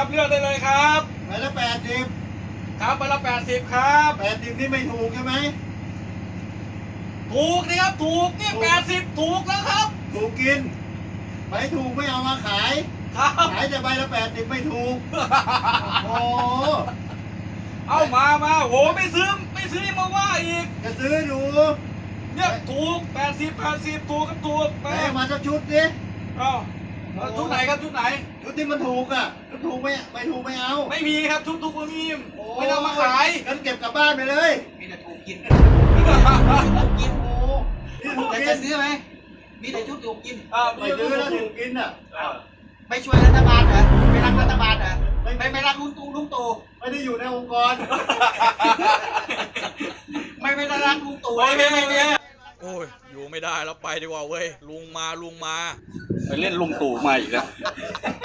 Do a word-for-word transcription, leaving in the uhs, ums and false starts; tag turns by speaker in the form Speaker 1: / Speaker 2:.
Speaker 1: ครับเลือกได้เลยครับ
Speaker 2: ใบละแปดสิบ
Speaker 1: ครับใบละแปดสิบครับ
Speaker 2: แปดสิบนี่ไม่ถูกใช่ไหม
Speaker 1: ถูกนะครับถูกเนี่ยแปดสิบถูกแล้วครับ
Speaker 2: ถูกกินไม่ถูกไม่เอามาขาย
Speaker 1: ครับ
Speaker 2: ขายแต่ใบละแปดสิบไม่ถูกโอ้
Speaker 1: เอามามาโหไม่ซื้อไม่ซื้อมาว่าอีก
Speaker 2: จะซื้อดู
Speaker 1: เนี่ยถูกแปดสิบแปดสิบถูกครับถูก
Speaker 2: แม่มาสักชุดดิ
Speaker 1: อ้าวชุดไหนครับชุดไหน
Speaker 2: ชุดที่มันถูกอ่ะชุดถูกไม่ไม่ถูกไม่เอา
Speaker 1: ไม่มีครับชุดถูกไม่มีไม่เอามาขาย
Speaker 2: งั้นเก็บกลับบ้านไปเลย
Speaker 3: มีแต่ถูกกิน
Speaker 2: ถูกกินโอ้ที่ถูก
Speaker 3: แต่
Speaker 2: กิ
Speaker 3: จะ
Speaker 2: น
Speaker 3: ซื้อไหมมีแต่ชุดถูกกิน
Speaker 2: ไม่ซื้อแล้วถูกกินอ่ะ
Speaker 3: ไม่ช่วยรัฐบาลเหรอไม่รักรัฐบาลเหรอไม่ไม่รักลุงตู่ลุงตู่
Speaker 2: ไม่ได้อยู่ในองค์กร
Speaker 3: ไม่ไม่รักลุงตู่
Speaker 1: โอเคโอเค
Speaker 4: โอ้ยอยู่ไม่ได้แล้วไปดีกว่าเว้ยลุงมาลุงมา
Speaker 1: ไปเล่นลุงตู่มาอีกแล้ว